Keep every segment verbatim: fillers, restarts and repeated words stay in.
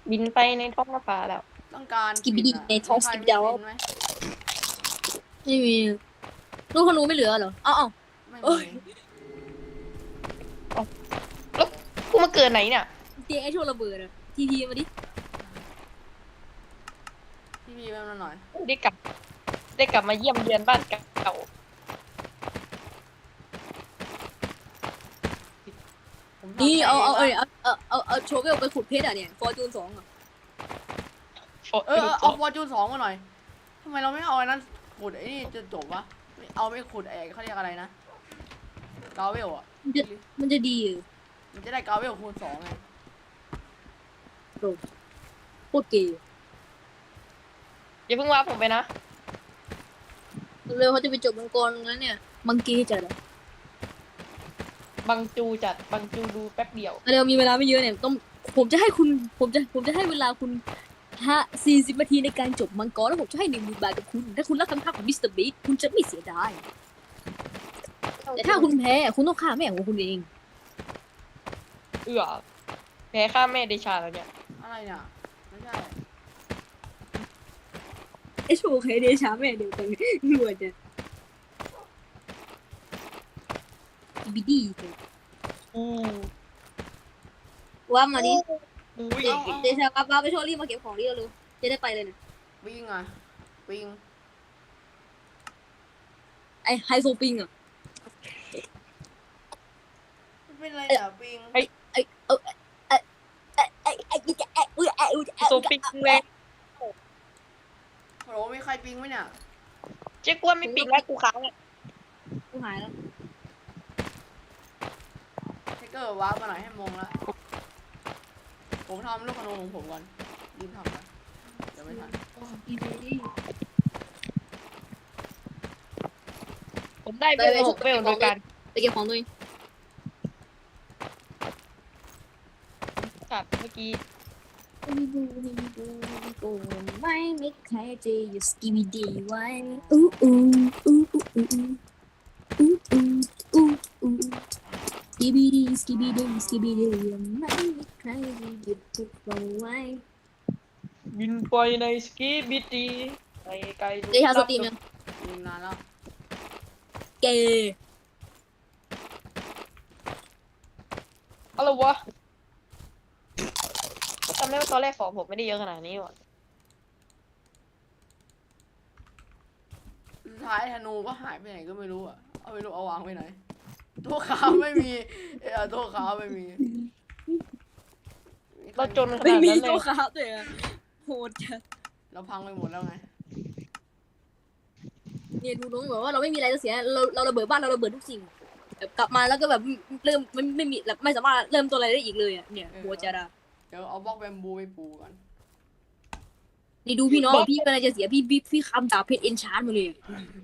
บินไปในท้องฟ้าแล้วต้องการสกิบบิดีในท้องสกิบดาวไหมไม่มีลูกธนูไม่เหลือเหรอเอ้าเอ้าไม่เอ้ยมีแล้วกูมาเกิดไหนเนี่ยเตียงไอ้โชว์ระเบิดอะทีพีมาดิพี่พีมาหน่อยได้กลับ ได้กลับมาเยี่ยมเยือนบ้านเก่าผมทำนี่เอาเอาให้เอาเอาเอาเอาเอาโชว์เวลไปขุดเพชรอะเนี่ยฟอร์จูนสองอะๆเออเอาฟอร์จูนสองมาหน่อยทำไมเราไม่เอาไอ้นั้นขุดไอ้นี่จะจบวะไม่เอาไม่ขุดเอกเขาเรียกอะไรนะกาเวลอ่ะมันจะมันจะดีเหรอมันจะได้กาเวลคูณสองไงโคตรเก๋อย่าเพิ่งว่าผมไปนะเร็วเขาจะไปจบมังกรงั้นเนี่ยมังกีจัดอะบังจูจัด บังจูดูแป๊บเดียวเร็วมีเวลาไม่เยอะเนี่ยต้องผมจะให้คุณผมจะผมจะให้เวลาคุณห้าสี่สิบนาทีในการจบมังกรแล้วผมจะให้หนึ่งหมื่นบาทกับคุณถ้าคุณรักคำท้าของมิสเตอร์บีทคุณจะไม่เสียดายแต่ถ้าคุณแพ้คุณต้องฆ่าแม่ของคุณเองเอื้อแพ้ข้าแม่เดชาแล้วเนี่ยอะไรเนี่ยไม่ใช่ไอโชว์ใครเดชาแม่เดียวกันรวยจังบิดดี้อู้ว่ามาดิอุ้ยเดชาป้าป้าไปโชว์รีบมาเก็บของดิเร็วๆจะได้ไปเลยนะปิงอ่ะปิงไอไฮโซปิงอ่ะมันเป็นอะไรเนี่ยปิงไอไอเออไอไอไอไอไอไออุ้ยไออุ้ยไอโซปิกแรงโหลมีใครปิงไหมเนี่ยเจ๊กวนไม่ปิดแล้วกูค้างอ่ะกูหายแล้วเทคเกอร์ว้าร์ปมาหน่อยให้มงละผมทำลูกขนมของผมก่อนรีบทำนะเดี๋ยวไม่ทันอีบีดี้ผมได้เวลหกเวลโดยการไปเก็บของตัวเองตัดเมื่อกี้ไม่มีใครจะอยู่สกิบิดี้ไว้อู้อู้อู้อู้อู้อู้อู้อู้อู้สกิบิดี้สกิบิดี้สกิบิดี้ไม่มีใครจะหยุดพวกเราไว้บินไปในสกีบิตีไปไกลเดชาสตรีมยังปิงนานแล้วเกอะไรวะจำได้ว่าตอนแรกของผมไม่ได้เยอะขนาดนี้ว่ะสุดท้ายธนูก็หายไปไหนก็ไม่รู้อ่ะเอาไปรู้เอาวางไปไหนตัวขาวไม่มีเออตัวขาวไม่มีเราจนขไม่นาดมีนั้นเลตัวย ครับเลยอะโหดจัดเราพังไปหมดแล้วไงเนี่ยดูน้องบอกว่าเราไม่มีอะไรจะเสียเราเราระเบิดบ้านเราระเบิดทุกสิ่งแบบกลับมาแล้วก็แบบเริ่มไม่ไม่มีแบบไม่สามารถเริ่มตัวอะไรได้อีกเลยอ่ะเนี่ยโหดจัดอะเดี๋ยวเอาบล็อกแบมบูไปปูก่อนนี่ดูพี่น้องพี่กำลังจะเสียพี่พี่พี่คำดาบเพชรเอนชาร์ดมาเลย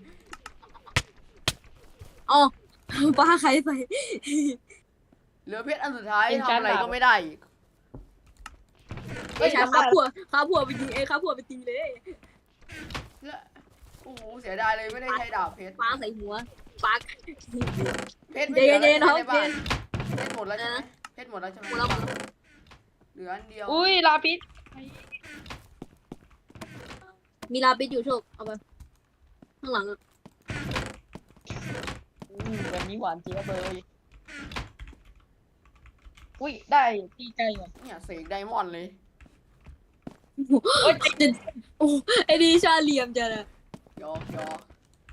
อ๋อป้าใครไปเหลือเพชรอันสุดท้ายทำอะไรก็ไม่ได้อีกไอ้ชาข้าผัวข้าผัวไปยิงเอ้ข้าผัวไปตีเลยแล้วโอ้โหเสียดายเลยไม่ได้ใช้ดาบเพชรปาใส่หัวปักเพชรไม่เหลือเย็นๆแล้วเย็นๆใช่ไหมเย็นเพชรหมดแล้วใช่ไหมเพชรหมดแล้วใช่ไหมหัวเราเหลืออันเดียวอุ้ยลาพิษมีลาปิดอยู่โชคเอาไปข้างหลังอะอืมวันนี้หวานเจี๊ยบเลยอุ้ยได้ตีไกลว่ะเนี่ยเสกไดมอนด์เลยโอ้ยโอ้ไอ้ดีชาเหลี่ยมจัดอะยอกยอก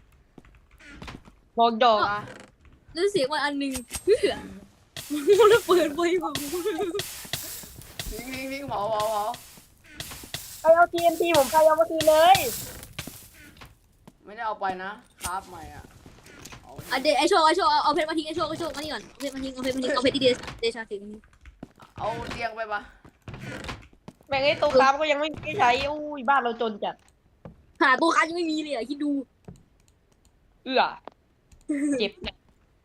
บอกดอกมาแล้วเสียงมันอันหนึ่งเพื่อมันระเบิดไฟผมพิงพิงพิงเผาเผาเผาไปเอาทีเอ็นทีผมไปเอามาทีเลยไม่ได้เอาไปนะคราฟใหม่อ่ะเอาอ่ะเดไอโชคไอโชคเอาเอาเพชรมาทิ้งไอโชคไอโชคมานี่ก่อนเอาเพชรมาทิ้งเอาเพชรมาทิ้งเอาเพชรที่เดเดชาทิ้งเอาเตียงไปปะแม่งไอ้ตัวคราฟก็ยังไม่ได้ใช้อุ้ยบ้านเราจนจัดหาตัวคันยังไม่มีเลยอ่ะคิดดูเอื้อเจ็บเนี่ย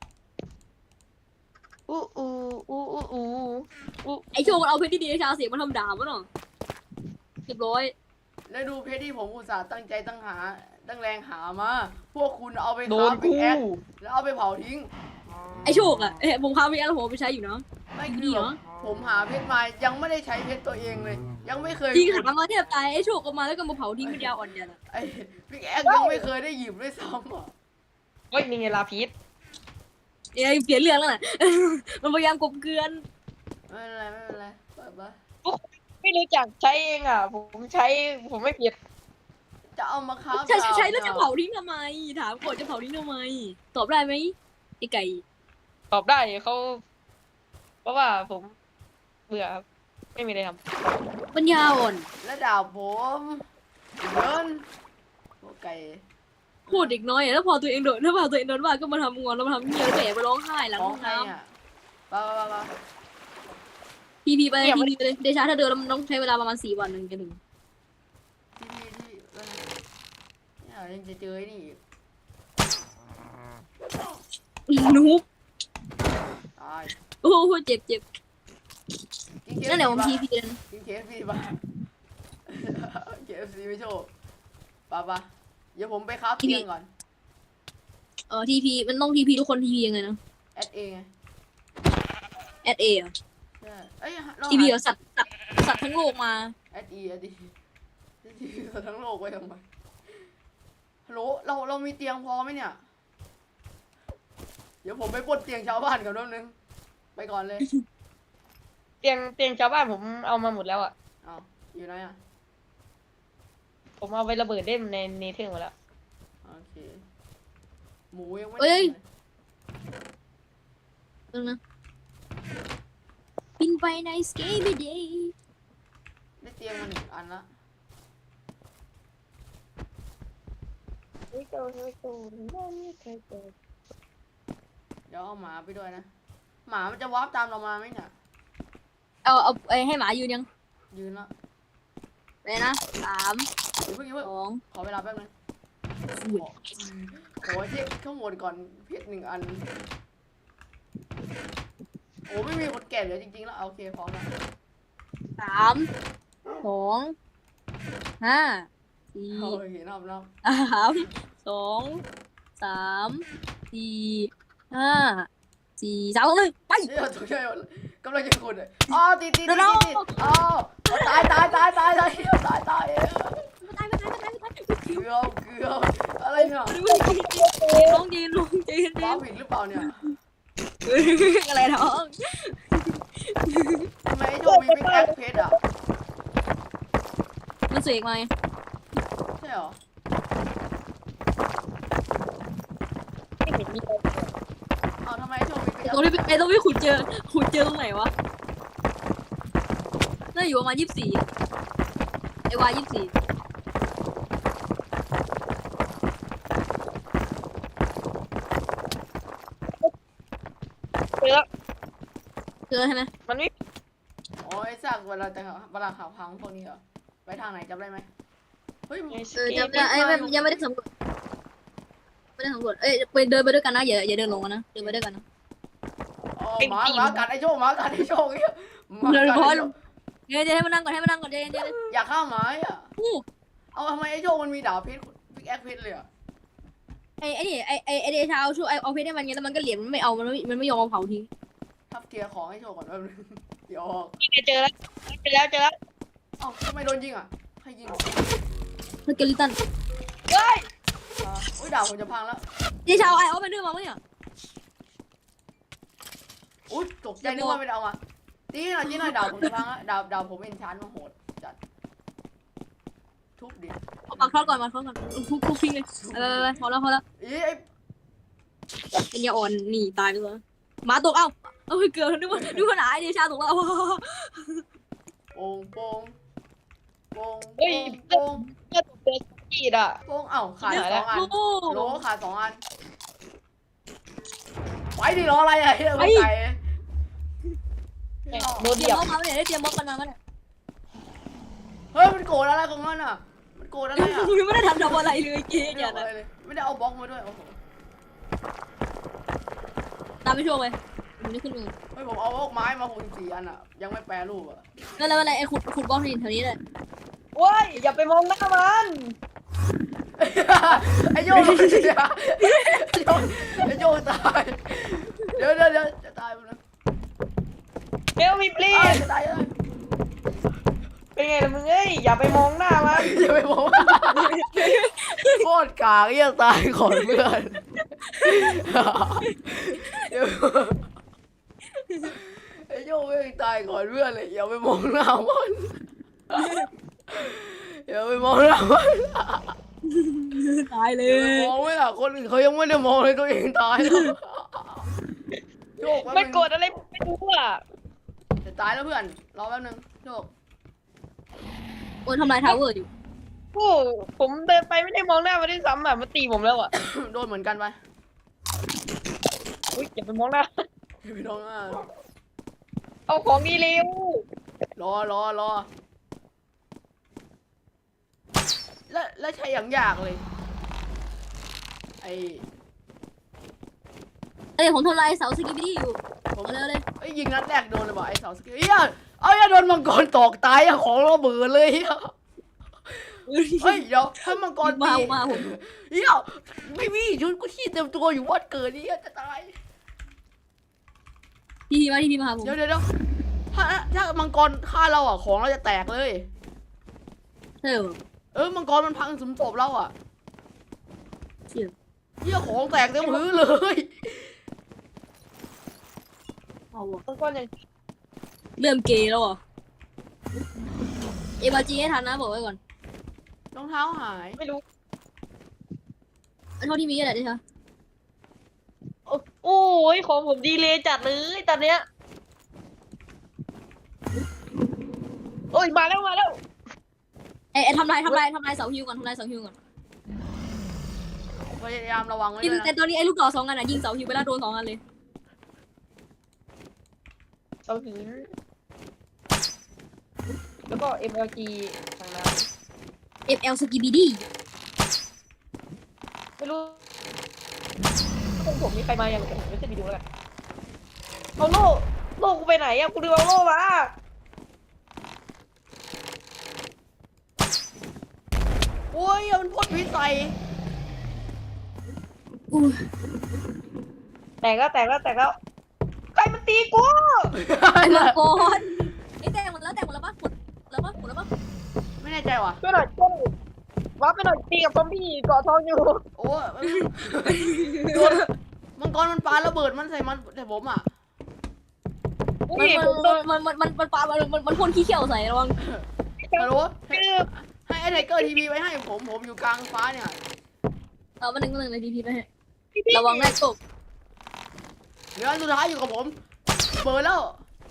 อู้อู้อู้อู้อู้อู้ไอโชคมันเอาเพชรที่เดชาเสียงมันทำดาบวะเนาะเรียบร้อยแล้วดูเพชรที่ผมอุตส่าห์ตั้งใจตั้งหาตั้งแรงหามาพวกคุณเอาไปโดคราน ฟไปกูแอดแล้วเอาไปเผาทิ้งไอโชคอ่ะเอ้ยผมค้าไปแล้วผมเอาไปใช้อยู่เนาะไม่ดีคือเหรแบอบผมหาเพชรมายังไม่ได้ใช้เพชรตัวเองเลย ยังไม่เคยจริงหามาแทบตายไอ้โชคก็มาแล้วก็มาเผาทิ้งเป็นยาอ่อนยันอะไอ้พิกแอคยังไม่เคยได้หยิบด้วยซ้ำอ่ะเฮ้ยนี่ไงลาพีชเอ้ยเปลี่ยนเรื่องแล้วน่ะ มันพยายามกบเกลือนไม่เป็นไรไม่เป็นไรไปไปไม่รู้จักใช้เองอ่ะ ผมใช้ผมไม่ผิดจะเอามาค้าใช่ใช่ใช่แล้วจะเผาทิ้งทำไมถามก่อนจะเผาทิ้งทำไมตอบได้ไหมไอ้ไก่ตอบได้เขาเพราะว่าผมเบื่อครับไม่มีอะไรทำปัญญาอ่อนและดาบผมเดินโอเคพูดเด็กน้อยอะแล้วพอตัวเองโดนถ้าพอตัวเองโดนว่าก็มาทำงอนแล้วมาทำเงี้ยแล้วก็แอบไปร้องไห้หลังขอห้งองใครน้อ่ะไปไปไปำพีพีไปพีพีไปเลยเดชาถ้าเดินแล้วมันต้องใช้เวลาประมาณสี่วันหนึ่งจะถึงที่ที่ที่เนี่ยยังจะเจอไอ้นี่อีกนุ๊กตายโอ้โหเจ็บเจ็บกินเคฟนั่นแหละผมซีพีป่ะพีเลยกินเคฟซีป่ะเคฟซีไม่โชว์ป่ะป่ะเดี๋ยวผมไปครับเตียงก่อนเออทีพีมันต้องทีพีทุกคนทีพียังไงนะแอดเอไงแอดเออะใช่เอ้ยทีพีเหรอสัตว์สัตว์สัตว์ทั้งโลกมาแอดอีแอดอีที่ทั้งโลกไว้ทำไมฮัลโหลเราเรามีเตียงพอไหมเนี่ย เดี๋ยวผมไปปลดเตียงชาวบ้านก่อนแป๊บนึงไปก่อนเลยเตียงเตียงชาวบ้านผมเอามาหมดแล้วอ่ะอ้าวอยู่ไหนอ่ะผมเอาไประเบิดเล่นในเนเธอร์หมดแล้วโอเคหมูยังไม่เอ้ยได้เลยนึงนะบินไปในสเกปเดย์ได้เตียงมาหนึ่งอันละไม่โตไม่โตไม่เคยโตเดี๋ยวเอาหมาไปด้วยนะ หมามันจะวาร์ปตามเรามาไหมเนี่ยเอาเอาไอ้ให้หมายืนยังยืนละไปนะสามเดี๋ยวเพิ่งอย่าเพิ่งสองขอเวลาแป๊บนึงอุ้ยขอเช็คข้างบนก่อนเพชรหนึ่งอัน โอ้ไม่มีคนแก่เหลือจริงๆแล้วโอเคพร้อมแล้วสามสองห้าสี่โอเคนับนับสามสองสามสี่ห้าสี่สามสองหนึ่งไปเดี๋ยวตัวใหญ่หมดเลยกำลังจะขุดเลยอ๋อติดติดติดติดติดอ๋อตายตายตายตายตายตายตายตายมาตายมาตายมาตายเกือบเกือบอะไรเนี่ยลงยืนลงยืนว้าผิดหรือเปล่าเนี่ยอะไรท้องทำไมไอ้โจมีพิกแอคเพชรอ่ะมันเสกมาไงใช่เหรอไม่เห็นมีอะไรอ้าวทำไมไอ้โจมีพิกแอคตรงที่ไอ้ตรงที่ขุดเจอขุดเจอตรงไหนวะน่าอยู่ประมาณยี่สิบสี่ไอ้วายยี่สิบสี่เจอแล้วเจอใช่ไหมมันไม่โอ้ยซากเวลาจะเวลาข่าวพังพวกนี้เหรอไปทางไหนจำได้ไหมเฮ้ยเออจำได้ไอ้ไม่ยังไม่ได้สำรวจไม่ได้สำรวจเอ้ยไปเดินไปด้วยกันนะอย่าอย่าเดินลงกันนะเดินไปด้วยกันนะอ๋อหมาหมากัดไอ้โจหมากัดไอ้โจเนี่ยหมาเดินกัดพอไอ้ลโจงเดี๋ยวเดี๋ยวให้มันนั่งก่อนให้มันนั่งก่อนเดี๋ยวเดี๋ยวอยากฆ่าหมาอ่ะอู้เอาทำไมไอ้โจมันมีดาบเพชรพิกแอคเพชรเลยอ่ะไอ้ไอ้นี่ไอ้ไอ้ไอ้เดชาเอาช่วยไอ้เอาเพชรให้มันไงแล้วมันก็เหรียญมันไม่เอามันไม่มันไม่ยอมเอาเผาทิ้งทับเทียร์ของให้โจก่อนแป๊บนึงเดี๋ยวเจอแล้วเจอแล้วเจอแล้วเอ้าทำไมโดนยิงอ่ะใครยิงอ่ะสเกลิตันเฮ้ยอุ้ยดาบผมจะพังแล้วเดชาเอาไอ้เอาไปด้วยมาไหมเนี่ยอุ้ยตกใจนึกว่าไม่ได้เอามาตีหน่อยตีหน่อยดาบผมจะพังแล้วดาบดาบผมเป็นชั้นมาโหดจัดทุบดิเอาปากทอดก่อนมาทอดก่อนคุกคุกทิ้งเลยไปไปไปพอแล้วพอแล้วอีไอ้เป็นยาอ่อนหนีตายไปเลยหมาตกเอ้าเอ้ยเกือบนึกว่านึกว่าหนาไอ้เดชาตกแล้วโป่งโป่งโป่งเฮ้ยโป่งก็ตกเจอกีดอ่ะโป่งเอ้าขาดสองอันโอ้โหลขาดสองอันไปดิรออะไรอ่ะเฮ้ยไก่โดนเตรีเดียยมบม็อบมาเนี่ยได้เตรียมม็อบกันมาเนี่ยเฮ้ยมันโกรธอะไรของมันอ่ะมันโกรธอะไรอ่ะยังไม่ได้ทำทำอะไรเลยเกไม่อย่าได้นะเอาอะไรเลยไม่ได้เอาบล็อกมาด้วยโอ้โหตามไปช่วยไปมันไม่ขึ้นมือเฮ้ยผมเอาบล็อกไม้มาหกสิบสี่อันอ่ะยังไม่แปรรูปอ่ะนั่นแล้วอะไรไอ้ขุดขุดบล็อกนี่แถวนี้เลยโอ้ยอย่าไปมองหน้ามันไอ้โยงไอ้โยงไอ้โยงตายเดี๋ยวเดี๋ยวเดี๋ยวจะตายไปแล้วเฮลมีปลีเอ้ยสจะตายเลยเป็นไงล่ะมึงเอ้ยอย่าไปมองหน้ามันอย่าไปบอกว่าโคตรกากเหี้ยตายก่อนเพื่อนไอ้โย่ไม่งตายก่อนเพื่อนเลยอย่าไปมองหน้ามันอย่าไปมองหน้ามันตายเลอย่าไปยมองไม่ล่ะคนอื่นเขายังไม่ได้มองเลยตัวเองตายแล้วโยกแป๊บไม่นึงกดอะไรไม่รู้อ่ะจะตายแล้วเพื่อนรอแป๊บนึงโยกโอ้ยทำลายทาวเวอร์อยู่โอ้ผมเดินไปไม่ได้มองหน้ามันด้วยซ้ำอ่ะมันตีผมแล้วอ่ะโดนเหมือนกันไปอุ้ยอย่าไปมองหน้าพี่น้องอ่ะเอาของดีเร็วรอรอรอแล้วแล้วใช้อย่างยากเลยไอเอ้ยผมทำลายเสาสกิปปี้อยู่ผมเอาเร็วเลยไอ้ยยิงนัดแรกโดนเลยว่ะไอ้เสาสกิลเฮียเอาอย่าโดนมังกรตอกตายอะของระเบิดเลยเฮียเฮ้ยเดี๋ยวถ้ามังกรมาตีมาผมเฮียไม่มีชุดกูขี้เต็มตัวอยู่วัดเกิดนี่จะตายทีพีมาทีพีมาหาผมเดี๋ยวเดี๋ยวเดี๋ยวถ้าถ้ามังกรฆ่าเราอ่ะของเราจะแตกเลยเฮ้ยเออมังกรมันพังสมศพเราอ่ะเชี่ยเฮียของแตกเต็มพื้นเลยเอาวะมันก้อนอย่างเริ่มเกย์แล้วอ่ะเอวาจีให้ทันนะบอกไว้ก่อนรองเท้าหายไม่รู้เท่าที่มีอะไรได้ใช่โอ้ยของผมดีเลยจัดเลยตอนเนี้ยโอ้ยมาแล้วมาแล้วเอ้ยทำลายทำลายทำลายเสาฮิวก่อนทำลายเสาฮิวก่อนพยายามระวังไว้ยิงด้วยแต่นะตอนนี้ไอ้ลูกดอกสองอันอ่ะยิงเสาฮิวไปแล้วโดนสองอันเลยเสาหินแล้วก็ เอ็ม แอล จี ทางนั้นเอฟเอลสกิปปี้ดีไม่รู้ตรงผมมีใครมายังแต่ผมไม่ใช่ไปดูแล้วกันเอาโล่โล่กูไปไหนอะกูลืมเอาโล่มาโอ้ยมันพ่นพิษใส่อู้แตกแล้วแตกแล้วแตกแล้วใครมันตีกูไอ้มังกรไอ้แตกหมดแล้วแตกหมดแล้วปะหมดแล้วปะหมดแล้วปะไม่แน่ใจว่ะช่วยหน่อยช่วยหน่อยว้าไปหน่อยตีกับซอมบี้เกาะทองอยู่โอ้ยโดนมังกรมันปาระเบิดมันใส่มันแต่ผมอ่ะอุ้มันยผมโดนมันมันมันมันปามันมันมันพ่นขี้เขียวใส่ระวังฮัลโหลคือให้ไอ้ไทเกอร์ทีวีไว้ให้ผมผมอยู่กลางฟ้าเนี่ยเอามาหนึ่งมาหนึ่งเลยทีพีไปให้พี่พี่ระวังได้ตกเหลืออันสุดท้ายอยู่กับผมเบิดแล้ว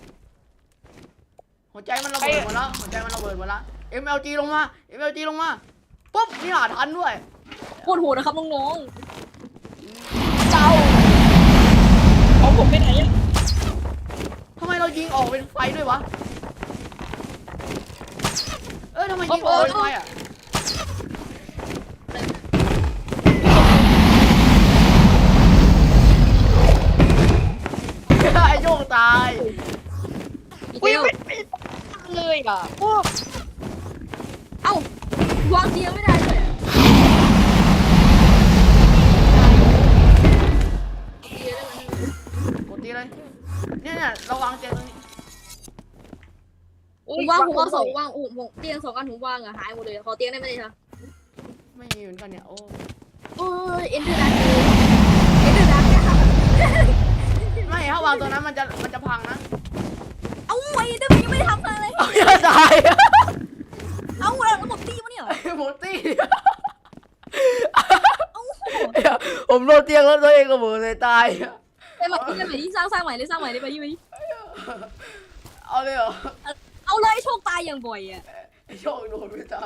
หัวใจมันระเบิดหมดแล้วหัวใจมันระเบิดหมดแล้ว เอ็ม แอล จี ลงมา เอ็ม แอล จี ลงมาปุ๊บนี่หาทันด้วยโคตรโหดนะครับน้องเจ้าเอาผมไปไหนอะทำไมเรายิงออกเป็นไฟด้วยวะเอ้ยทำไมยิงออกเป็นไฟอ่ะไอ้โยกตายๆอีกอุ้ยแล้วไม่ไม่เลยอ่ะโอ้เอ้าวางเตียงไม่ได้เลยอะเตียงได้ไหมกดตีเลย เนี่ยเนี่ยเราวางเตียงตรงนี้ผมวางผมเอาสองวางโอ้โหเตียงสองอันผมวางอะหายหมดเลยขอเตียงได้ไหมเนี่ยคะไม่มีเหมือนกันเนี่ย โอ้โอ้ยเอ็นเดอร์ดักเอ็นเดอร์ดักเนี่ยค่ะไม่ถ้าวางตัวนั้นมันจะมันจะพังนะเอาไว้เดอร์ยังไม่ได้ทำอะไรเอาอย่าตายเอาแล้วผมตีมันเนี่ยหมดตีเอาผมโดนเตียงแล้วตัวเองก็เหมือเลยตายไปใหม่ไปใหม่ที่สร้างสร้างใหม่เลยสร้างใหม่เลยไปยี่ไปเอาเลยเหรอเอาเลยโชคตายอย่างบ่อยอะไอ้โชคโดนไม่ตาย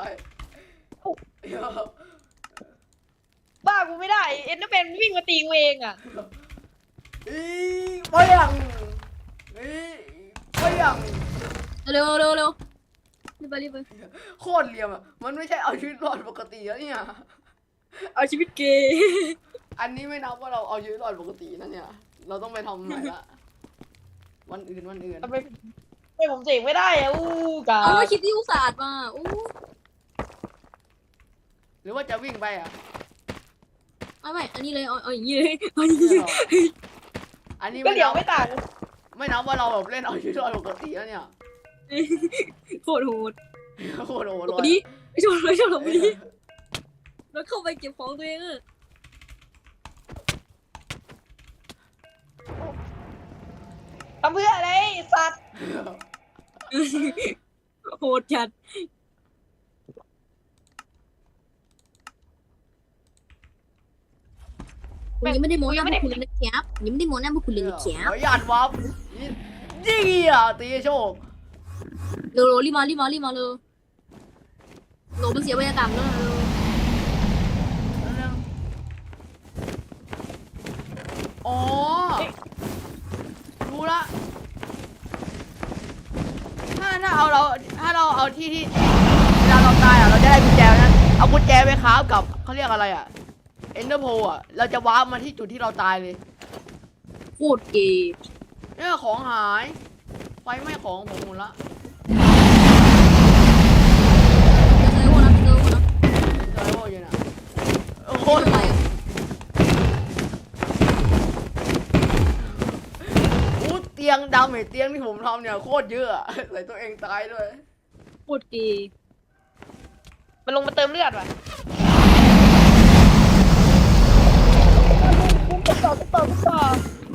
บ้ากูไม่ได้เอ็นเดอร์แมนวิ่งมาตีกูเองอ่ะอีไปยังอีไปยังเร็วเร็วเร็วรีบไปรีบไปโคตรเหลี่ยมอ่ะมันไม่ใช่เอาชีวิตรอดปกติแล้วเนี่ยเอาชีวิตเกย์อันนี้ไม่นับว่าเราเอาชีวิตรอดปกตินะเนี่ย เราต้องไปทำใหม่ละวันอื่นวันอื่นทำไมทำไมผมเสกไม่ได้อะอู้กาเอาแล้วคิดที่อุตส่าห์มาอู้หรือว่าจะวิ่งไปอ่ะเอาไม่อันนี้เลยเอาเอาอย่างนี้เลยเอาอย่างนี้เลยอันนี้ก็ไม่เดี๋ยวนับไม่ต่างไม่นับว่าเราแบบเล่นเอาชีวิตรอดปกติแล้วเนี่ยโคตรโหดโคตรโหดหลบเลไปดิยไอ้โชว์ไอ้โชว์หลบไปดิแล้วเข้าไปเก็บของตัวเองอะทำเพื่ออะไรสัตว์โหดจัดผมยังไม่ได้โม้หน้าพวกคุณเลยนะครับยังไม่ได้โม้หน้าพวกคุณเลยนะคขรัอบ อนุญาตวับยิงอ่ะตีโชคเร็วๆรีบมารีบมารีบมาเลยโหลมันเสียบรรยากาศแล้วเร็วอ๋อรู้ละถ้าถ้าเอาเราถ้าเราเอาที่ที่เวลาเราตายอ่ะเราจะได้กุญแจนั้นเอากุญแจไปค้าฟกับเขาเรียกอะไรอ่ะเอนเดอร์โพอ่ะเราจะวาร์ปมาที่จุดที่เราตายเลยโคตรเกย์เนี่ยของหายไฟไหม้ของผมหมดละเจอโหดนะเจอโหดนะเจอโอ้ยน่ะโอ้โหโคตรอะไรอู้เตียงดาวเมจเตียงที่ผมทำเนี่ยโคตรเยอะอะใส่ตัวเองตายด้วยโคตรเกย์มันลงมาเติมเลือดว่ะต่อต่อต่อต่อ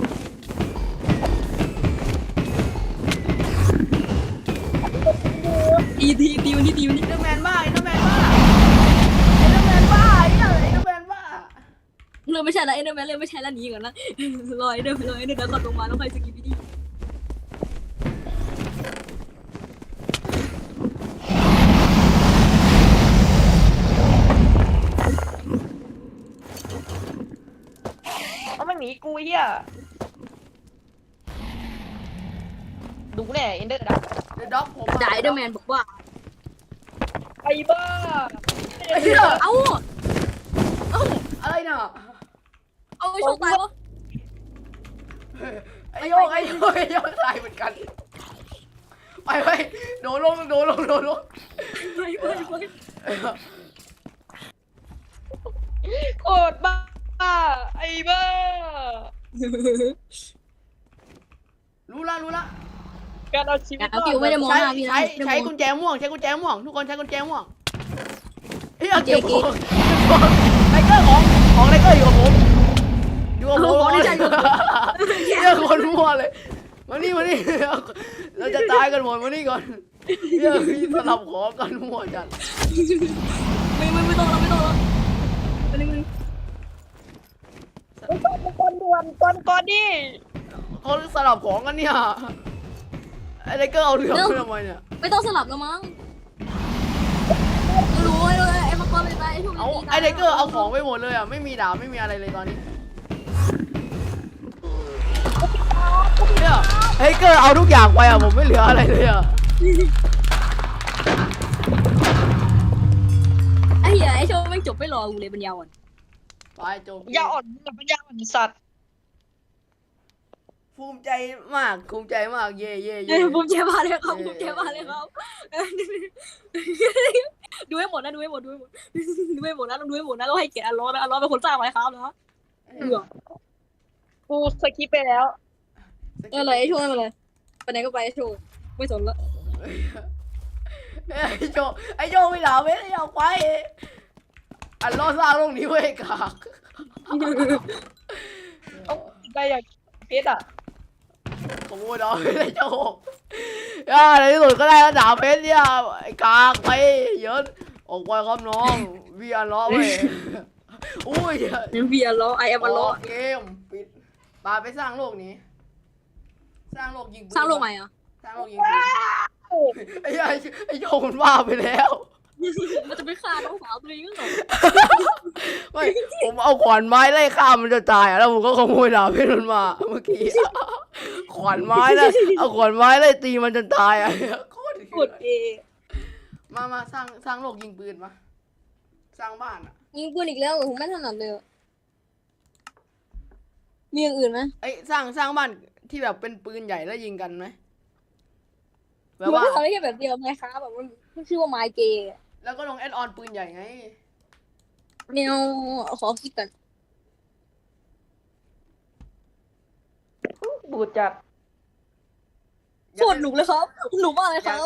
ตีตีตีวันนี้ตีวันเอนี้นเดอร์แมนบ้าเอนเดอร์แมนบ้าเอนเดอร์แมนบ้าไอ้เหี้ยเอนเดอร์แมนบ้าเริ่มไม่ใช่แล้วเอ็นเดอร์แมนเริ่มไม่ใช่แล้วหนีก่อนนะรอเอ็นเดอร์รอเอ็นเดอร์แล้วก่อนลงมาแล้วค่อยสกิปปี้ดีเอามันหนีกูเฮียดูแน่เอ็นเดอร์ดักเดอะด็อกผมด่าเอ็นเดอร์แมนบอกว่าไอ้บ้าไอ้เหี้ยเอ้าเอ้าอะไรน่ะเอาไอ้โชคตายวะไอ้โยกไอ้โยกไอ้โยกตายเหมือนกันไปไปโดนลงโดนลงโดนลงไปไปไปโคตรบ้าไอ้บ้ารู้ละรู้ละการเอาชีวิตเอาคิวไม่ได้มองใช้หน้าพี่นะใช้ใช้กุญแจม่วงใช้กุญแจม่วงทุกคนใช้กุญแจม่วงเฮ้ยเก็บของไลเกอร์ของของไลเกอร์อยู่กับผมอยู่กับผมเรื่องคนมั่วเลยมานี่มานี่เราจะตายกันหมดมานี่ก่อนเรื่องสลับของกันมั่วจัดไม่ไม่ไม่ต้องแล้วไม่ต้องแล้วไปนึงก่อนด่วนก่อนก่อนดิเขาสลับของกันเนี่ยไอ้ไลเกอร์เอาเหลืองไปทำไมเนี่ยไม่ต้องสลับแล้วมั้งรู้ไอ้ไอ้มังกรเลยตายไอ้โชคเอาไอ้ไลเกอร์เอาของไปหมดเลยอ่ะไม่มีดาบไม่มีอะไรเลยตอนนี้เนี่ยไอ้ไลเกอร์เอาทุกอย่างไปอ่ะผมไม่เหลืออะไรเลยอ่ะไอ้เหี้ยไอ้โชคไม่จบไม่รอกูเลยปัญญาอ่อนไปจบยาอ่อนกับปัญญาอ่อนสัตว์ภูมิใจมากภูมิใจมากเย่เย่เอ้เย่ยผมเจ็บมาเลยครับผมเจ็บมาเลยครับดูให้หมดนะดูให้หมดดูให้หมดดูให้หมดนะต้องดูให้หมดนะต้องให้เกียรติอัลลอฮ์นะอัลลอฮ์เป็นคนสร้างไว้ครับนะเออกูสกิปไปแล้วเออเลยไอ้โชว์อะไรไปไหนก็ไปไอ้โชว์ไม่สนละไอ้โจไอ้โจไม่ด่าไม่ได้เอาไปอันล้อสร้างโลกนี้ไว้กากเอาใจอย่างเพชรอ่ะขโมยดอกไม่ได้โจย่าในที่สุดก็ได้แล้วด่าเพชรเนี่ยไอ้กากไปเยอะออกไปครับน้องวีอันล้อไปอุ้ยยังเบียร์ล้อไอแอมอัลลอฮ์เกมปิดปาไปสร้างโลกนี้ สร้างโลกยิงปืนสร้างโลกใหม่อ่ะสร้างโลกยิงปืนไอ้ไอ้ไอ้โจมันว่าไปแล้วมันจะไปฆ่าน้องสาวตัวเองก็เหรอไม่ผมเอาขวานไม้ไล่ฆ่ามันจะตายอ่ะแล้วผมก็ขโมยดาบเพชรมันมาเมื่อกี้ขวานไม้นะเอาขวานไม้ไล่ตีมันจนตายอ่ะโคตรกดเอมามาสร้างสร้างโลกยิงปืนมาสร้างบ้านอ่ะยิงปืนอีกแล้วผมไม่ถนัดเลยมีอย่างอื่นไหมไอ้ยสร้างสร้างบ้านที่แบบเป็นปืนใหญ่แล้วยิงกันไหมแบมับนว่าไม่ทำได้แค่แบบเดียวไงครับแบบมันชื่อว่าไมเกย์แล้วก็ลงแอดออนปืนใหญ่ไงแนวขอคิดกันบูดจัดโคตรหนุกเลยครับหนุกมากเลยครับ